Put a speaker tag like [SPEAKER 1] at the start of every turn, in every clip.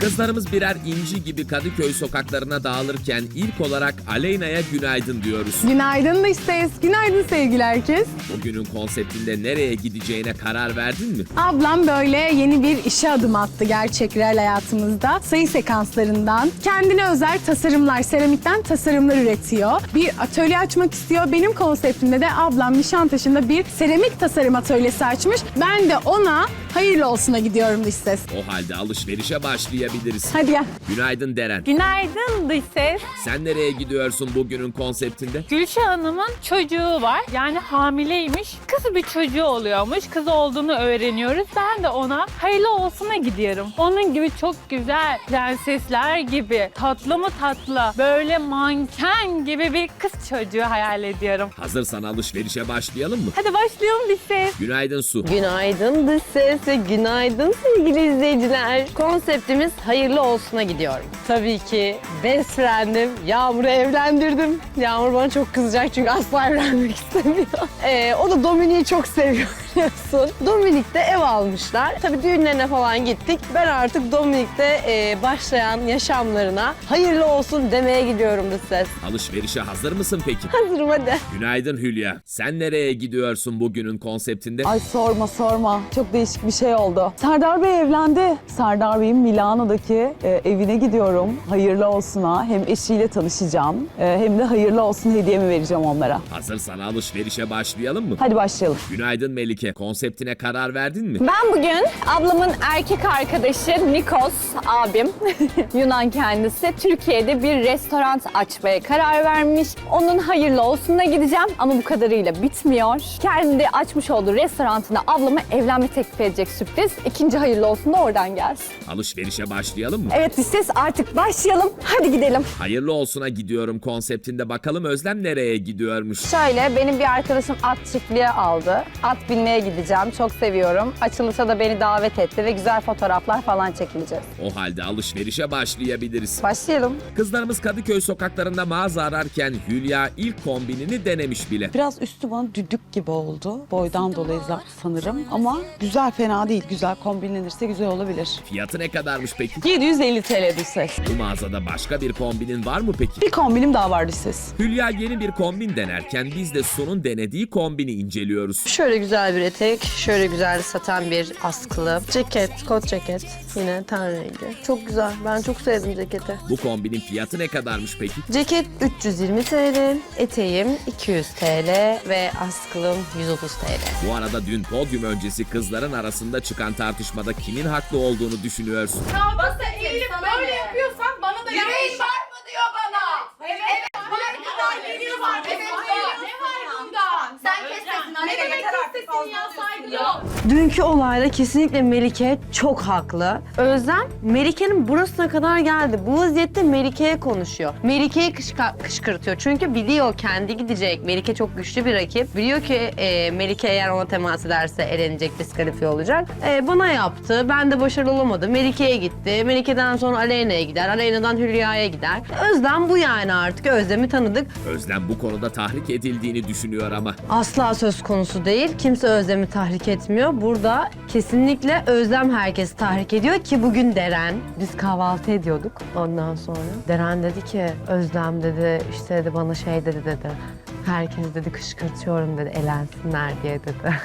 [SPEAKER 1] Kızlarımız birer inci gibi Kadıköy sokaklarına dağılırken ilk olarak Aleyna'ya günaydın diyoruz.
[SPEAKER 2] Günaydın dış ses. Günaydın sevgili herkes.
[SPEAKER 1] Bugünün konseptinde nereye gideceğine karar verdin mi?
[SPEAKER 2] Ablam böyle yeni bir işe adım attı gerçek real hayatımızda. Sayı sekanslarından kendine özel tasarımlar, seramikten tasarımlar üretiyor. Bir atölye açmak istiyor. Benim konseptimde de ablam Nişantaşı'nda bir seramik tasarım atölyesi açmış. Ben de ona hayırlı olsuna gidiyorum dış ses.
[SPEAKER 1] O halde alışverişe başlayabiliriz.
[SPEAKER 2] Hadi gel.
[SPEAKER 1] Günaydın Deren.
[SPEAKER 3] Günaydın dış ses.
[SPEAKER 1] Sen nereye gidiyorsun bugünün konseptinde?
[SPEAKER 3] Gülşah Hanım'ın çocuğu var. Yani hamileymiş. Kız bir çocuğu oluyormuş. Kız olduğunu öğreniyoruz. Ben de ona hayırlı olsuna gidiyorum. Onun gibi çok güzel prensesler gibi tatlı mı tatlı böyle manken gibi bir kız çocuğu hayal ediyorum.
[SPEAKER 1] Hazırsan alışverişe başlayalım mı?
[SPEAKER 3] Hadi başlayalım dış ses.
[SPEAKER 1] Günaydın Su.
[SPEAKER 4] Günaydın dış ses ve günaydın sevgili izleyiciler. Konseptimiz hayırlı olsuna gidiyorum. Tabii ki best friend'im Yağmur'u evlendirdim. Yağmur bana çok kızacak çünkü asla evlenmek istemiyor. O da Dominik'i çok seviyor biliyorsun. Dominik'te ev almışlar. Tabii düğünlerine falan gittik. Ben artık Dominik'te başlayan yaşamlarına hayırlı olsun demeye gidiyorum dış ses.
[SPEAKER 1] Alışverişe hazır mısın peki?
[SPEAKER 4] Hazırım hadi.
[SPEAKER 1] Günaydın Hülya. Sen nereye gidiyorsun bugünün konseptinde?
[SPEAKER 5] Ay sorma. Çok değişik bir şey oldu. Serdar Bey evlendi. Serdar Bey'in Milano'daki evine gidiyorum. Hayırlı olsuna. Hem eşiyle tanışacağım hem de hayırlı olsun hediyemi vereceğim onlara.
[SPEAKER 1] Hazırsan alışverişe başlayalım mı?
[SPEAKER 5] Hadi başlayalım.
[SPEAKER 1] Günaydın Melike. Konseptine karar verdin mi?
[SPEAKER 6] Ben bugün ablamın erkek arkadaşı Nikos abim, Yunan kendisi, Türkiye'de bir restoran açmaya karar vermiş. Onun hayırlı olsununa gideceğim ama bu kadarıyla bitmiyor. Kendi açmış olduğu restoranına ablama evlenme teklif edecek sürpriz. İkinci hayırlı olsun da oradan gelsin.
[SPEAKER 1] Alışverişe başlayalım mı?
[SPEAKER 6] Evet ses artık başlayalım. Hadi gidelim.
[SPEAKER 1] Hayırlı olsuna gidiyorum konseptinde bakalım Özlem nereye gidiyormuş?
[SPEAKER 6] Şöyle benim bir arkadaşım at çiftliğe aldı. At binmeye gideceğim. Çok seviyorum. Açılışa da beni davet etti ve güzel fotoğraflar falan çekileceğiz.
[SPEAKER 1] O halde alışverişe başlayabiliriz.
[SPEAKER 6] Başlayalım.
[SPEAKER 1] Kızlarımız Kadıköy sokaklarında mağaza ararken Hülya ilk kombinini denemiş bile.
[SPEAKER 5] Biraz üstü bana düdük gibi oldu. Boydan dolayı sanırım. Ama güzel, fena değil. Güzel kombinlenirse güzel olabilir.
[SPEAKER 1] Fiyatı ne kadarmış peki?
[SPEAKER 5] 750 TL dış ses.
[SPEAKER 1] Bu mağazada başka bir kombinin var mı peki?
[SPEAKER 5] Bir kombinim daha var dış ses.
[SPEAKER 1] Hülya yeni bir kombin denerken biz de Su'nun denediği kombini inceliyoruz.
[SPEAKER 4] Şöyle güzel bir etek, şöyle güzel satan bir askılı ceket, kot ceket. Yine ten rengi. Çok güzel. Ben çok sevdim ceketi.
[SPEAKER 1] Bu kombinin fiyatı ne kadarmış peki?
[SPEAKER 4] Ceket 320 TL, eteğim 200 TL ve askılım 130 TL.
[SPEAKER 1] Bu arada dün podyum öncesi kızların arasında çıkan tartışmada kimin haklı olduğunu düşünüyorsun?
[SPEAKER 7] Eğilip böyle yapıyorsan bana da yüreğin var mı diyor bana. Evet. Var kadar geliyor var. Evet var. Ne var bundan? Sen kes sesini anne. Ne demek kes sesini ya saygı yok.
[SPEAKER 4] Dünkü olayda kesinlikle Melike çok haklı. Özlem, Melike'nin burasına kadar geldi. Bu vaziyette Melike'ye konuşuyor. Melike'yi kışkırtıyor. Çünkü biliyor kendi gidecek. Melike çok güçlü bir rakip. Biliyor ki Melike eğer ona temas ederse elenecek, diskalifiye olacak. Bana yaptı. Ben de başarılı olamadım. Melike'ye gitti. Melike'den sonra Aleyna'ya gider. Aleyna'dan Hülya'ya gider. Özlem bu yani artık. Özlem'i tanıdık.
[SPEAKER 1] Özlem bu konuda tahrik edildiğini düşünüyor ama.
[SPEAKER 4] Asla söz konusu değil. Kimse Özlem'i tahrik etmiyor. Burada kesinlikle Özlem herkesi tahrik ediyor ki bugün Deren. Biz kahvaltı ediyorduk ondan sonra. Deren dedi ki Özlem dedi işte dedi bana şey dedi. Herkes dedi kışkırtıyorum dedi elensinler diye dedi.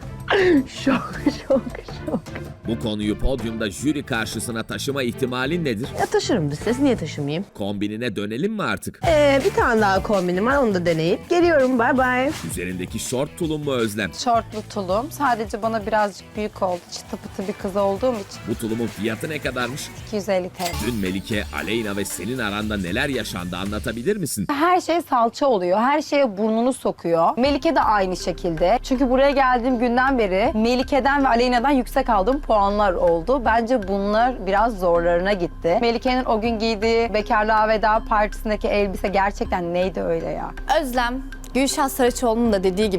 [SPEAKER 4] Şok.
[SPEAKER 1] Bu konuyu podyumda jüri karşısına taşıma ihtimalin nedir?
[SPEAKER 4] Ya taşırım bir ses niye taşımayayım?
[SPEAKER 1] Kombinine dönelim mi artık?
[SPEAKER 4] Bir tane daha kombinim var onu da deneyip geliyorum bye bye.
[SPEAKER 1] Üzerindeki şort tulum mu Özlem?
[SPEAKER 6] Şortlu tulum. Sadece bana birazcık büyük oldu. Çıtı pıtı bir kız olduğum için.
[SPEAKER 1] Bu tulumun fiyatı ne kadarmış?
[SPEAKER 6] 250 TL.
[SPEAKER 1] Dün Melike, Aleyna ve senin aranda neler yaşandı anlatabilir misin?
[SPEAKER 6] Her şey salça oluyor. Her şeye burnunu sokuyor. Melike de aynı şekilde. Çünkü buraya geldiğim günden beri Melike'den ve Aleyna'dan yüksek aldığım puanlar oldu. Bence bunlar biraz zorlarına gitti. Melike'nin o gün giydiği bekarlığa veda partisindeki elbise gerçekten neydi öyle ya?
[SPEAKER 8] Özlem, Gülşah Saraçoğlu'nun da dediği gibi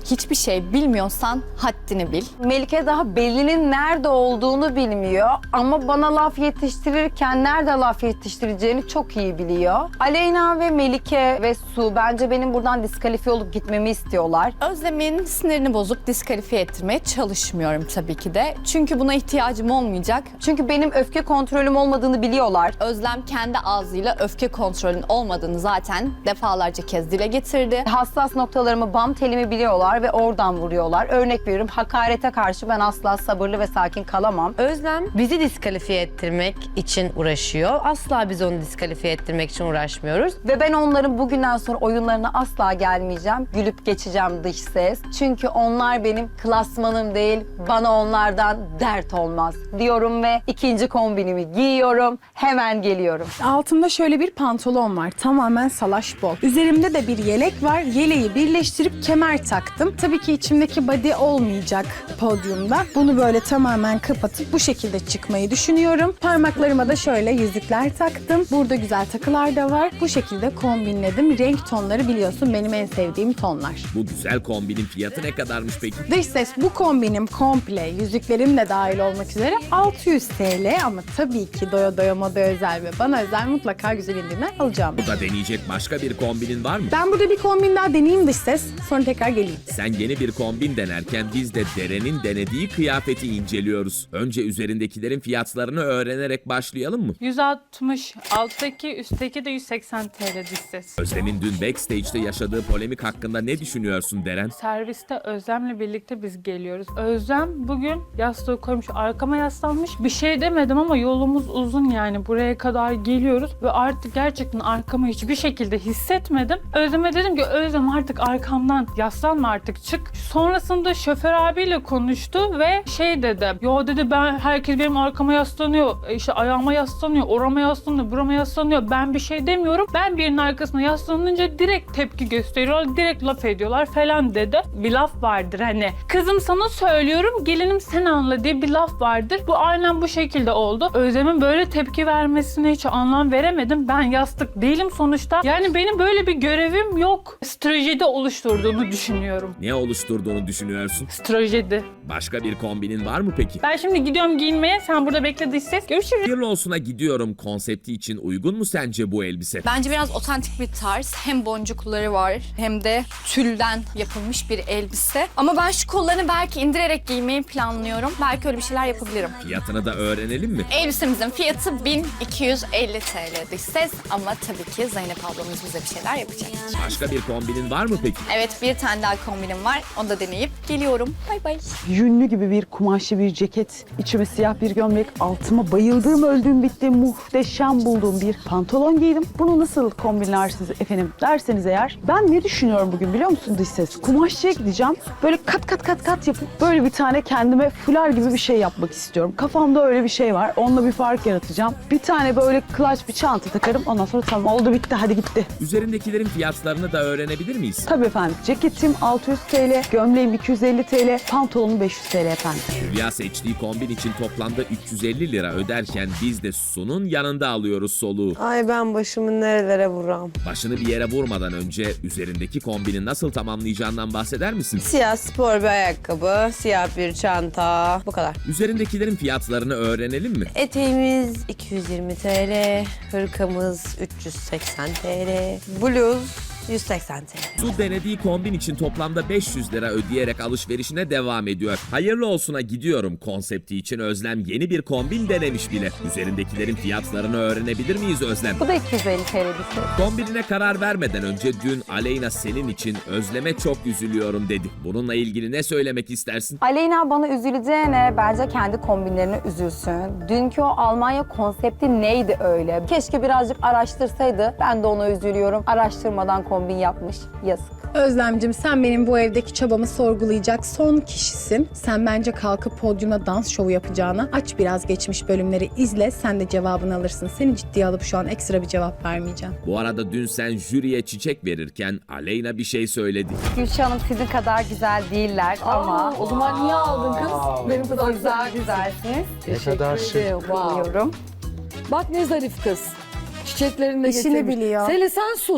[SPEAKER 6] Hiçbir şey bilmiyorsan haddini bil.
[SPEAKER 4] Melike daha belinin nerede olduğunu bilmiyor ama bana laf yetiştirirken nerede laf yetiştireceğini çok iyi biliyor. Aleyna ve Melike ve Su bence benim buradan diskalifiye olup gitmemi istiyorlar.
[SPEAKER 6] Özlem'in sinirini bozup diskalifiye ettirmeye çalışmıyorum tabii ki de. Çünkü buna ihtiyacım olmayacak.
[SPEAKER 4] Çünkü benim öfke kontrolüm olmadığını biliyorlar.
[SPEAKER 6] Özlem kendi ağzıyla öfke kontrolünün olmadığını zaten defalarca kez dile getirdi.
[SPEAKER 4] Hassas noktalarımı, bam telimi biliyorlar ve oradan vuruyorlar. Örnek veriyorum, hakarete karşı ben asla sabırlı ve sakin kalamam. Özlem bizi diskalifiye ettirmek için uğraşıyor. Asla biz onu diskalifiye ettirmek için uğraşmıyoruz. Ve ben onların bugünden sonra oyunlarına asla gelmeyeceğim. Gülüp geçeceğim dış ses. Çünkü onlar benim klasmanım değil. Bana onlardan dert olmaz diyorum ve ikinci kombinimi giyiyorum. Hemen geliyorum.
[SPEAKER 2] Altımda şöyle bir pantolon var. Tamamen salaş bol. Üzerimde de bir yelek var. Yeleği birleştirip kemer taktım. Tabii ki içimdeki body olmayacak podyumda. Bunu böyle tamamen kapatıp bu şekilde çıkmayı düşünüyorum. Parmaklarıma da şöyle yüzükler taktım. Burada güzel takılar da var. Bu şekilde kombinledim. Renk tonları biliyorsun benim en sevdiğim tonlar.
[SPEAKER 1] Bu güzel kombinin fiyatı ne kadarmış peki?
[SPEAKER 2] Dış ses bu kombinim komple, yüzüklerim de dahil olmak üzere 600 TL ama tabii ki doya doya moda özel ve bana özel mutlaka güzel indirimler alacağım.
[SPEAKER 1] Bu da deneyecek başka bir kombinin var mı?
[SPEAKER 2] Ben burada bir kombin daha deneyeyim dış ses, sonra tekrar geleyim.
[SPEAKER 1] Sen yeni bir kombin denerken biz de Deren'in denediği kıyafeti inceliyoruz. Önce üzerindekilerin fiyatlarını öğrenerek başlayalım mı?
[SPEAKER 3] 160, alttaki, üstteki de 180 TL dış ses.
[SPEAKER 1] Özlem'in dün backstage'de yaşadığı polemik hakkında ne düşünüyorsun Deren?
[SPEAKER 3] Serviste Özlem'le birlikte biz geliyoruz. Özlem bugün yastığı koymuş, arkama yaslanmış. Bir şey demedim ama yolumuz uzun yani. Buraya kadar geliyoruz ve artık gerçekten arkamı hiçbir şekilde hissetmedim. Özlem'e dedim ki Özlem artık arkamdan yaslanma, artık çık. Sonrasında şoför abiyle konuştu ve şey dedi. Yo dedi, herkes benim arkama yaslanıyor. İşte ayağıma yaslanıyor, orama yaslanıyor, burama yaslanıyor. Ben bir şey demiyorum. Ben birinin arkasına yaslanınca direkt tepki gösteriyorlar, direkt laf ediyorlar falan dedi. Bir laf vardır hani. Kızım sana söylüyorum, gelinim sen anla diye bir laf vardır. Bu aynen bu şekilde oldu. Özlem'in böyle tepki vermesine hiç anlam veremedim. Ben yastık değilim sonuçta. Yani benim böyle bir görevim yok. Stratejide oluşturduğunu düşünüyorum.
[SPEAKER 1] Ne oluşturduğunu düşünüyorsun?
[SPEAKER 3] Stratejide.
[SPEAKER 1] Başka bir kombinin var mı peki?
[SPEAKER 3] Ben şimdi gidiyorum giyinmeye. Sen burada bekle dış ses. Görüşürüz.
[SPEAKER 1] Hayırlı olsuna gidiyorum konsepti için uygun mu sence bu elbise?
[SPEAKER 6] Bence biraz otantik bir tarz. Hem boncukları var hem de tülden yapılmış bir elbise. Ama ben şu kollarını belki indirerek giymeyi planlıyorum. Belki öyle bir şeyler yapabilirim.
[SPEAKER 1] Fiyatını da öğrenelim mi?
[SPEAKER 6] Elbisemizin fiyatı 1250 TL dış ses ama tabii ki Zeynep ablamız bize bir şeyler yapacak.
[SPEAKER 1] Başka bir kombinin var mı peki?
[SPEAKER 6] Evet, bir tane daha kombinim var. Onu da deneyip geliyorum. Bay bay.
[SPEAKER 5] Yünlü gibi bir kumaşlı bir ceket, içime siyah bir gömlek, altıma bayıldığım, öldüğüm, bittiğim, muhteşem bulduğum bir pantolon giydim. Bunu nasıl kombinlersiniz efendim derseniz eğer, ben ne düşünüyorum bugün biliyor musun dış ses? Kumaşçıya gideceğim, böyle kat yapıp böyle bir tane kendime fular gibi bir şey yapmak istiyorum. Kafamda öyle bir şey var, onunla bir fark yaratacağım. Bir tane böyle clutch bir çanta takarım, ondan sonra tamam oldu bitti, hadi gitti.
[SPEAKER 1] Üzerindekilerin fiyatlarını da öğrenebilir miyiz?
[SPEAKER 5] Tabii efendim, ceketim 600 TL, gömleğim 250 TL, pantolonum 500 TL efendim.
[SPEAKER 1] Hülya seçtiği kombin için toplamda 350 lira öderken biz de Su'nun yanında alıyoruz soluğu.
[SPEAKER 4] Ay ben başımı nerelere vuram.
[SPEAKER 1] Başını bir yere vurmadan önce üzerindeki kombini nasıl tamamlayacağından bahseder misin?
[SPEAKER 4] Siyah spor bir ayakkabı, siyah bir çanta. Bu kadar.
[SPEAKER 1] Üzerindekilerin fiyatlarını öğrenelim mi?
[SPEAKER 4] Eteğimiz 220 TL, hırkamız 380 TL, bluz 180 TL.
[SPEAKER 1] Su denediği kombin için toplamda 500 lira ödeyerek alışverişine devam ediyor. Hayırlı olsuna gidiyorum konsepti için Özlem yeni bir kombin denemiş bile. Üzerindekilerin fiyatlarını öğrenebilir miyiz Özlem?
[SPEAKER 4] Bu da 250 TL bir şey.
[SPEAKER 1] Kombinine karar vermeden önce dün Aleyna senin için Özlem'e çok üzülüyorum dedi. Bununla ilgili ne söylemek istersin?
[SPEAKER 4] Aleyna bana üzüleceğine bence kendi kombinlerine üzülsün. Dünkü o Almanya konsepti neydi öyle? Keşke birazcık araştırsaydı. Ben de ona üzülüyorum. Araştırmadan kombin yapmış. Yazık.
[SPEAKER 2] Özlemcim sen benim bu evdeki çabamı sorgulayacak son kişisin. Sen bence kalkıp podyumda dans şovu yapacağına aç biraz geçmiş bölümleri izle, sen de cevabını alırsın. Seni ciddiye alıp şu an ekstra bir cevap vermeyeceğim.
[SPEAKER 1] Bu arada dün sen jüriye çiçek verirken Aleyna bir şey söyledi.
[SPEAKER 4] Gülşah Hanım sizin kadar güzel değiller ama...
[SPEAKER 7] O zaman niye aldın kız? Benim kadar
[SPEAKER 4] güzelsiniz.
[SPEAKER 8] Ne kadar şık.
[SPEAKER 4] Biliyorum.
[SPEAKER 7] Bak ne zarif kız. Çiçeklerini de
[SPEAKER 2] İşini
[SPEAKER 7] getirmiş.
[SPEAKER 2] biliyor.
[SPEAKER 7] Selin sen sus.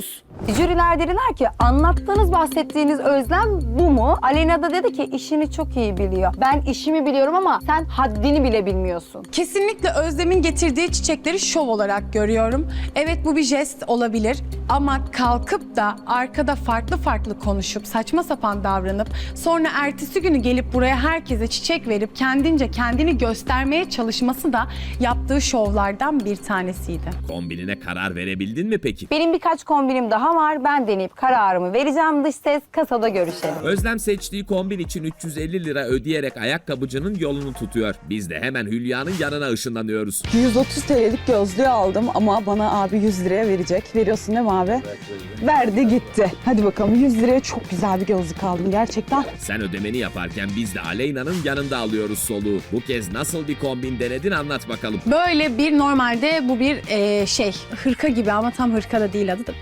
[SPEAKER 6] Jüriler dediler ki anlattığınız, bahsettiğiniz Özlem bu mu? Aleyna da dedi ki işini çok iyi biliyor. Ben işimi biliyorum ama sen haddini bile bilmiyorsun.
[SPEAKER 2] Kesinlikle Özlem'in getirdiği çiçekleri şov olarak görüyorum. Evet, bu bir jest olabilir ama kalkıp da arkada farklı farklı konuşup saçma sapan davranıp sonra ertesi günü gelip buraya herkese çiçek verip kendince kendini göstermeye çalışması da yaptığı şovlardan bir tanesiydi.
[SPEAKER 1] Kombinine karar verebildin mi peki?
[SPEAKER 6] Benim birkaç kombinim daha var. Ben deneyip kararımı vereceğim. Dış ses, kasada görüşelim.
[SPEAKER 1] Özlem seçtiği kombin için 350 lira ödeyerek ayakkabıcının yolunu tutuyor. Biz de hemen Hülya'nın yanına ışınlanıyoruz.
[SPEAKER 5] 130 TL'lik gözlüğü aldım ama bana abi 100 liraya verecek. Veriyorsun değil mi abi? Verdi gitti. Hadi bakalım, 100 liraya çok güzel bir gözlük aldım gerçekten.
[SPEAKER 1] Sen ödemeni yaparken biz de Aleyna'nın yanında alıyoruz soluğu. Bu kez nasıl bir kombin denedin anlat bakalım.
[SPEAKER 2] Böyle bir normalde bu bir hırka gibi ama tam hırka da değil adı da.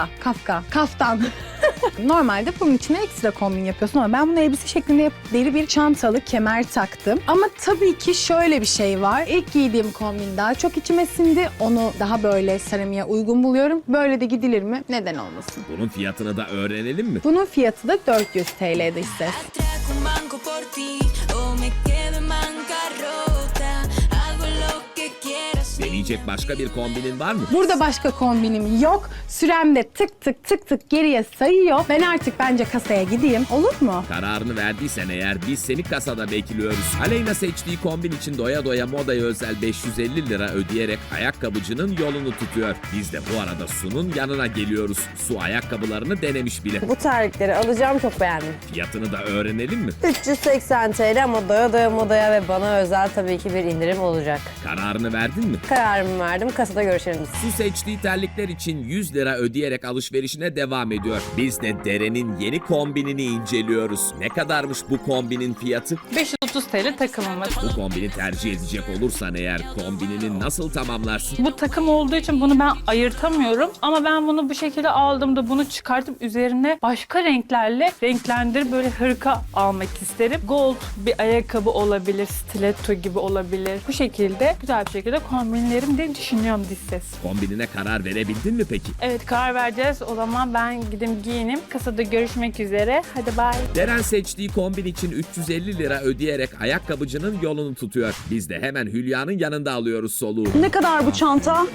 [SPEAKER 2] Kaftan. Normalde bunun içine ekstra kombin yapıyorsun ama ben bunu elbise şeklinde yapıp deri bir çantalı kemer taktım. Ama tabii ki şöyle bir şey var. İlk giydiğim kombin daha çok içime sindi. Onu daha böyle seramiğe uygun buluyorum. Böyle de gidilir mi? Neden olmasın?
[SPEAKER 1] Bunun fiyatını da öğrenelim mi?
[SPEAKER 2] Bunun fiyatı da 400 TL'de ise.
[SPEAKER 8] Atraco un banco por ti o me quedo en bancarrota. Hago lo que quiero.
[SPEAKER 1] Deneyecek başka bir kombinin var mı?
[SPEAKER 2] Burada başka kombinim yok. Sürem de tık tık tık tık geriye sayıyor. Ben artık bence kasaya gideyim. Olur mu?
[SPEAKER 1] Kararını verdiysen eğer biz seni kasada bekliyoruz. Aleyna seçtiği kombin için doya doya modaya özel 550 lira ödeyerek ayakkabıcının yolunu tutuyor. Biz de bu arada Su'nun yanına geliyoruz. Su ayakkabılarını denemiş bile.
[SPEAKER 4] Bu terlikleri alacağım, çok beğendim.
[SPEAKER 1] Fiyatını da öğrenelim mi?
[SPEAKER 4] 380 TL ama doya doya modaya ve bana özel tabii ki bir indirim olacak.
[SPEAKER 1] Kararını verdin mi?
[SPEAKER 4] Kararımı verdim, kasada görüşelim.
[SPEAKER 1] Su seçtiği terlikler için 100 lira ödeyerek alışverişine devam ediyor. Biz de Deren'in yeni kombinini inceliyoruz. Ne kadarmış bu kombinin fiyatı?
[SPEAKER 3] 530 TL takımımız.
[SPEAKER 1] Bu kombini tercih edecek olursan eğer kombinini nasıl tamamlarsın?
[SPEAKER 3] Bu takım olduğu için bunu ben ayırtamıyorum. Ama ben bunu bu şekilde aldığımda bunu çıkartıp üzerine başka renklerle renklendirip böyle hırka almak isterim. Gold bir ayakkabı olabilir, stiletto gibi olabilir. Bu şekilde güzel bir şekilde kombinlerim diye düşünüyorum dış ses.
[SPEAKER 1] Kombinine karar verebildin mi peki?
[SPEAKER 3] Evet, karar vereceğiz. O zaman ben gidip giyinim. Kasada görüşmek üzere. Hadi bye.
[SPEAKER 1] Deren seçtiği kombin için 350 lira ödeyerek ayakkabıcının yolunu tutuyor. Biz de hemen Hülya'nın yanında alıyoruz soluğu.
[SPEAKER 5] Ne kadar bu çanta?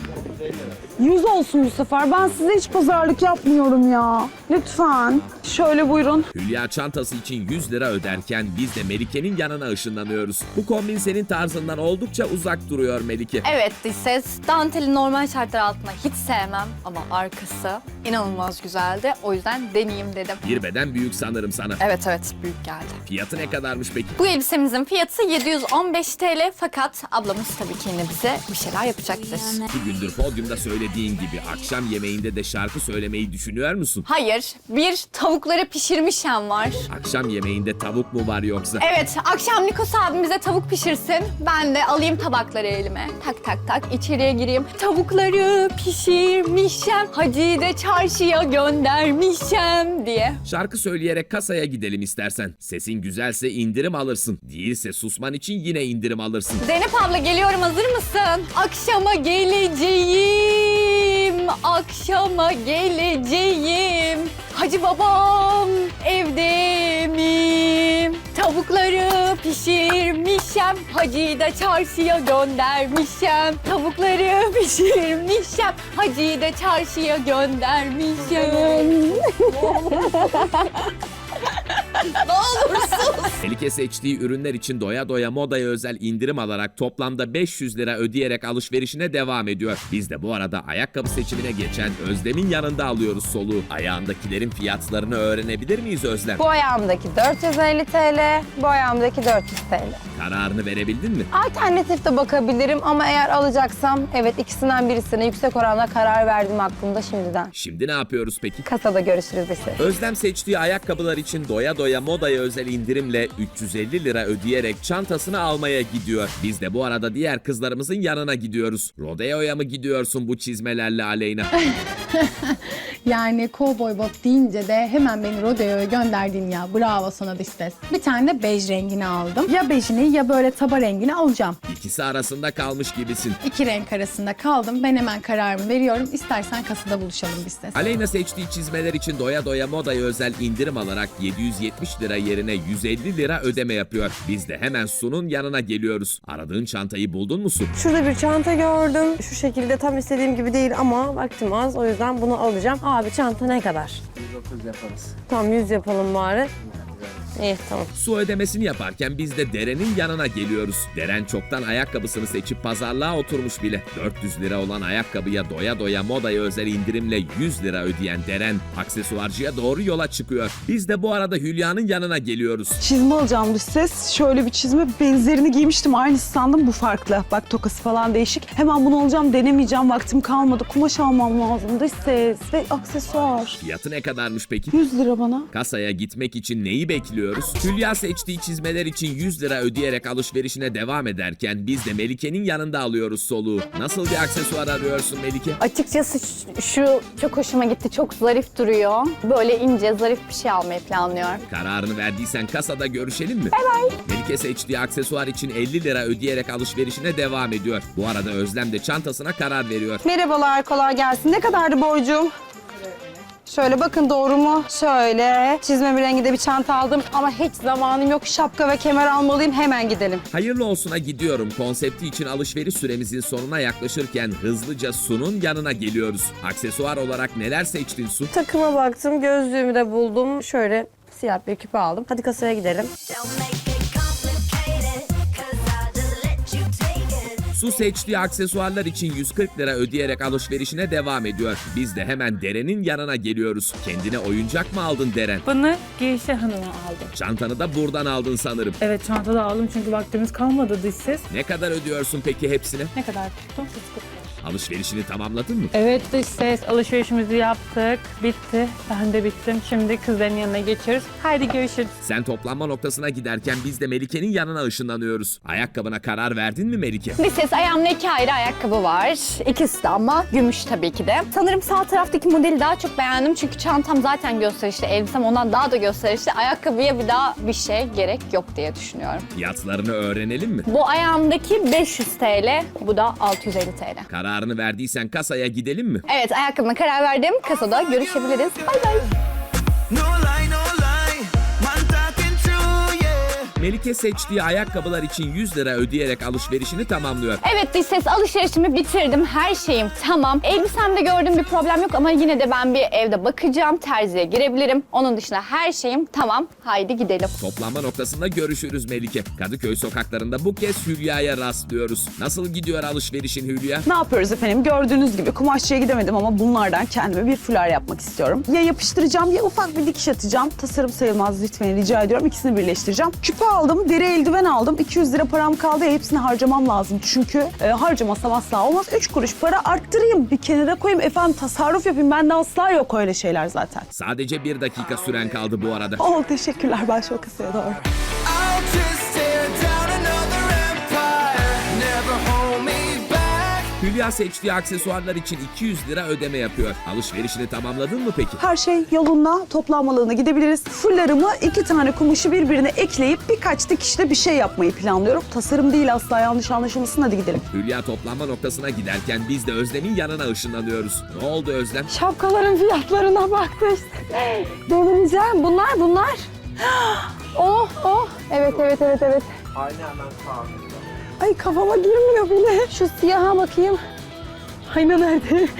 [SPEAKER 5] 100 olsun bu sefer. Ben size hiç pazarlık yapmıyorum ya. Lütfen. Şöyle buyurun.
[SPEAKER 1] Hülya çantası için 100 lira öderken biz de Melike'nin yanına ışınlanıyoruz. Bu kombin senin tarzından oldukça uzak duruyor Melike.
[SPEAKER 6] Evet dış ses. Danteli normal şartlar altında hiç sevmem ama arkası inanılmaz güzeldi. O yüzden deneyeyim dedim.
[SPEAKER 1] Bir beden büyük sanırım sana.
[SPEAKER 6] Evet büyük geldi.
[SPEAKER 1] Fiyatı ne kadarmış peki?
[SPEAKER 6] Bu elbisemizin fiyatı 715 TL fakat ablamız tabii ki yine bize bir şeyler yapacaktır.
[SPEAKER 1] 2 gündür podyumda söylediğin gibi akşam yemeğinde de şarkı söylemeyi düşünüyor musun?
[SPEAKER 6] Hayır, bir tavukları pişirmişem var.
[SPEAKER 1] Akşam yemeğinde tavuk mu var yoksa?
[SPEAKER 6] Evet, akşam Nikos abimize tavuk pişirsin. Ben de alayım tabakları elime. Tak tak tak içeriye gireyim. Tavukları pişirmişem, Hacı'yı da çarşıya göndermişem diye.
[SPEAKER 1] Şarkı söyleyerek kasaya gidelim istersen. Sesin güzelse indirim alırsın. Değilse susman için yine indirim alırsın.
[SPEAKER 6] Zeynep abla geliyorum, hazır mısın? Akşama geleceğim, akşama geleceğim. Hacı babam evde mi? Tavukları pişirmişem, Hacı'yı da çarşıya göndermişem. Tavukları pişirmişem, Hacı'yı da çarşıya göndermişem.
[SPEAKER 1] Melike seçtiği ürünler için doya doya modaya özel indirim alarak toplamda 500 lira ödeyerek alışverişine devam ediyor. Biz de bu arada ayakkabı seçimine geçen Özlem'in yanında alıyoruz soluğu. Ayağındakilerin fiyatlarını öğrenebilir miyiz Özlem?
[SPEAKER 4] Bu ayağımdaki 450 TL, bu ayağımdaki 400 TL.
[SPEAKER 1] Kararını verebildin mi?
[SPEAKER 4] Alternatif de bakabilirim ama eğer alacaksam evet ikisinden birisine yüksek oranda karar verdim aklımda şimdiden.
[SPEAKER 1] Şimdi ne yapıyoruz peki?
[SPEAKER 4] Kasada görüşürüz işte.
[SPEAKER 1] Özlem seçtiği ayakkabılar için doya doya modaya özel indirim indirimle 350 lira ödeyerek çantasını almaya gidiyor. Biz de bu arada diğer kızlarımızın yanına gidiyoruz. Rodeo'ya mı gidiyorsun bu çizmelerle Aleyna?
[SPEAKER 2] Yani cowboy bot deyince de hemen beni rodeoya gönderdin ya. Bravo sana dış ses. Bir tane de bej rengini aldım. Ya bejini ya böyle taba rengini alacağım.
[SPEAKER 1] İkisi arasında kalmış gibisin.
[SPEAKER 2] İki renk arasında kaldım. Ben hemen kararımı veriyorum. İstersen kasada buluşalım dış ses.
[SPEAKER 1] Aleyna seçtiği çizmeler için doya doya modaya özel indirim alarak 770 lira yerine 150 lira ödeme yapıyor. Biz de hemen Su'nun yanına geliyoruz. Aradığın çantayı buldun mu Su?
[SPEAKER 4] Şurada bir çanta gördüm. Şu şekilde tam istediğim gibi değil ama vaktim az. O yüzden bunu alacağım. Abi çanta ne kadar?
[SPEAKER 9] 130 yaparız.
[SPEAKER 4] Tamam 100 yapalım bari. İyi tamam.
[SPEAKER 1] Su ödemesini yaparken biz de Deren'in yanına geliyoruz. Deren çoktan ayakkabısını seçip pazarlığa oturmuş bile. 400 lira olan ayakkabıya doya doya modaya özel indirimle 100 lira ödeyen Deren aksesuarcıya doğru yola çıkıyor. Biz de bu arada Hülya'nın yanına geliyoruz.
[SPEAKER 5] Çizme alacağım dış ses. Şöyle bir çizme, benzerini giymiştim. Aynısı sandım, bu farklı. Bak tokası falan değişik. Hemen bunu alacağım, denemeyeceğim. Vaktim kalmadı. Kumaş almam lazım dış ses ve aksesuar.
[SPEAKER 1] Fiyatı ne kadarmış peki?
[SPEAKER 5] 100 lira bana.
[SPEAKER 1] Kasaya gitmek için neyi bekliyoruz? Hülya seçtiği çizmeler için 100 lira ödeyerek alışverişine devam ederken biz de Melike'nin yanında alıyoruz soluğu. Nasıl bir aksesuar arıyorsun Melike?
[SPEAKER 6] Açıkçası şu çok hoşuma gitti. Çok zarif duruyor. Böyle ince, zarif bir şey almayı planlıyorum.
[SPEAKER 1] Kararını verdiysen kasada görüşelim mi? Melike seçtiği aksesuar için 50 lira ödeyerek alışverişine devam ediyor. Bu arada Özlem de çantasına karar veriyor.
[SPEAKER 4] Merhabalar, kolay gelsin. Ne kadardı borcum? Şöyle bakın doğru mu? Şöyle çizme renginde bir çanta aldım ama hiç zamanım yok. Şapka ve kemer almalıyım. Hemen gidelim.
[SPEAKER 1] Hayırlı olsuna gidiyorum konsepti için alışveriş süremizin sonuna yaklaşırken hızlıca Su'nun yanına geliyoruz. Aksesuar olarak neler seçtin Su?
[SPEAKER 4] Takıma baktım, gözlüğümü de buldum. Şöyle siyah bir küpe aldım. Hadi kasaya gidelim.
[SPEAKER 8] Don't make it complicated, 'cause I just let you take it.
[SPEAKER 1] Su seçtiği aksesuarlar için 140 lira ödeyerek alışverişine devam ediyor. Biz de hemen Deren'in yanına geliyoruz. Kendine oyuncak mı aldın Deren?
[SPEAKER 3] Bunu Geyşe Hanım'a aldım.
[SPEAKER 1] Çantanı da buradan aldın sanırım.
[SPEAKER 3] Evet çantada aldım çünkü vaktimiz kalmadı dış ses.
[SPEAKER 1] Ne kadar ödüyorsun peki hepsine?
[SPEAKER 3] Ne kadar tuttu?
[SPEAKER 1] Alışverişini tamamladın mı?
[SPEAKER 3] Evet dış ses alışverişimizi yaptık. Bitti. Ben de bittim. Şimdi kızların yanına geçiyoruz. Haydi görüşürüz.
[SPEAKER 1] Sen toplanma noktasına giderken biz de Melike'nin yanına ışınlanıyoruz. Ayakkabına karar verdin mi Melike?
[SPEAKER 6] Bir ses ayağımda 2 ayrı ayakkabı var. İkisi de ama gümüş tabii ki de. Sanırım sağ taraftaki modeli daha çok beğendim. Çünkü çantam zaten gösterişli. Elbisem ondan daha da gösterişli. Ayakkabıya bir daha bir şey gerek yok diye düşünüyorum.
[SPEAKER 1] Fiyatlarını öğrenelim mi?
[SPEAKER 6] Bu ayağımdaki 500 TL. Bu da 650 TL.
[SPEAKER 1] Kararını verdiysen kasaya gidelim mi?
[SPEAKER 6] Evet ayakkabıma karar verdim. Kasada görüşebiliriz. Bay bay.
[SPEAKER 10] No lie, no lie. Man talking true, yeah.
[SPEAKER 1] Melike seçtiği ayakkabılar için 100 lira ödeyerek alışverişini tamamlıyor.
[SPEAKER 6] Evet dış ses alışverişimi bitirdim. Her şeyim tamam. Elbisemde gördüğüm bir problem yok ama yine de ben bir evde bakacağım. Terziye girebilirim. Onun dışında her şeyim tamam. Haydi gidelim.
[SPEAKER 1] Toplanma noktasında görüşürüz Melike. Kadıköy sokaklarında bu kez Hülya'ya rastlıyoruz. Nasıl gidiyor alışverişin Hülya?
[SPEAKER 5] Ne yapıyoruz efendim? Gördüğünüz gibi kumaşçıya gidemedim ama bunlardan kendime bir fular yapmak istiyorum. Ya yapıştıracağım ya ufak bir dikiş atacağım. Tasarım sayılmaz lütfen rica ediyorum. İkisini birleştireceğim. Küpe aldım, deri eldiven aldım. 200 lira param kaldı. Hepsini harcamam lazım. Çünkü harcamasam asla olmaz. 3 kuruş para arttırayım. Bir kenara koyayım. Efendim tasarruf yapayım. Bende asla yok öyle şeyler zaten.
[SPEAKER 1] Sadece 1 dakika süren kaldı bu arada.
[SPEAKER 5] Oh teşekkürler. Ben şu kasaya doğru.
[SPEAKER 10] I'll just tear down another empire. Never hold me back.
[SPEAKER 1] Hülya seçtiği aksesuarlar için 200 lira ödeme yapıyor. Alışverişini tamamladın mı peki?
[SPEAKER 5] Her şey yolunda, toplanmalığına gidebiliriz. Fullarımı 2 tane kumaşı birbirine ekleyip birkaç dikişle bir şey yapmayı planlıyorum. Tasarım değil asla yanlış anlaşılmasın, hadi gidelim.
[SPEAKER 1] Hülya toplanma noktasına giderken biz de Özlem'in yanına ışınlanıyoruz. Ne oldu Özlem?
[SPEAKER 4] Şapkaların fiyatlarına baktım. Delireceğim. Bunlar. Oh. Evet.
[SPEAKER 9] Aynı hemen sağ.
[SPEAKER 4] Ay kafama girmiyor bile. Şu siyaha bakayım. Ayna nerede?
[SPEAKER 9] Ben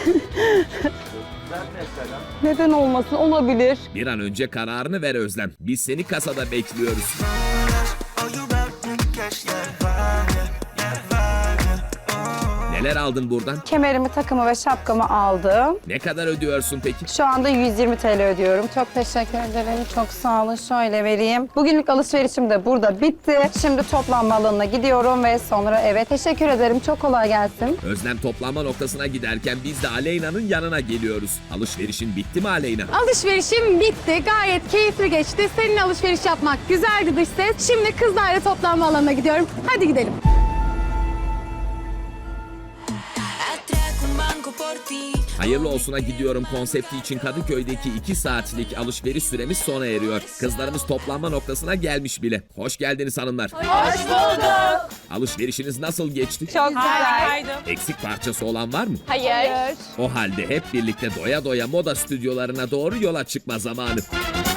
[SPEAKER 9] mesela.
[SPEAKER 4] Neden olmasın? Olabilir.
[SPEAKER 1] Bir an önce kararını ver Özlem. Biz seni kasada bekliyoruz.
[SPEAKER 10] Oh, you about to catch that vibe, yeah, that vibe, yeah. Oh.
[SPEAKER 1] Neler aldın buradan?
[SPEAKER 11] Kemerimi, takımı ve şapkamı aldım.
[SPEAKER 1] Ne kadar ödüyorsun peki?
[SPEAKER 11] Şu anda 120 TL ödüyorum. Çok teşekkür ederim. Çok sağ olun. Şöyle vereyim. Bugünlük alışverişim de burada bitti. Şimdi toplanma alanına gidiyorum ve sonra eve. Teşekkür ederim. Çok kolay gelsin.
[SPEAKER 1] Özlem toplanma noktasına giderken biz de Aleyna'nın yanına geliyoruz. Alışverişin bitti mi Aleyna?
[SPEAKER 2] Alışverişim bitti. Gayet keyifli geçti. Senin alışveriş yapmak güzeldi dış ses. Şimdi kızlarla toplanma alanına gidiyorum. Hadi gidelim.
[SPEAKER 8] Atraco un banco por ti.
[SPEAKER 1] Hayırlı olsuna gidiyorum konsepti için Kadıköy'deki 2 saatlik alışveriş süremiz sona eriyor. Kızlarımız toplanma noktasına gelmiş bile. Hoş geldiniz hanımlar.
[SPEAKER 3] Hoş bulduk.
[SPEAKER 1] Alışverişiniz nasıl geçti?
[SPEAKER 6] Çok güzel.
[SPEAKER 3] Harikaydım.
[SPEAKER 1] Eksik parçası olan var mı?
[SPEAKER 6] Hayır.
[SPEAKER 1] O halde hep birlikte doya doya moda stüdyolarına doğru yola çıkma zamanı.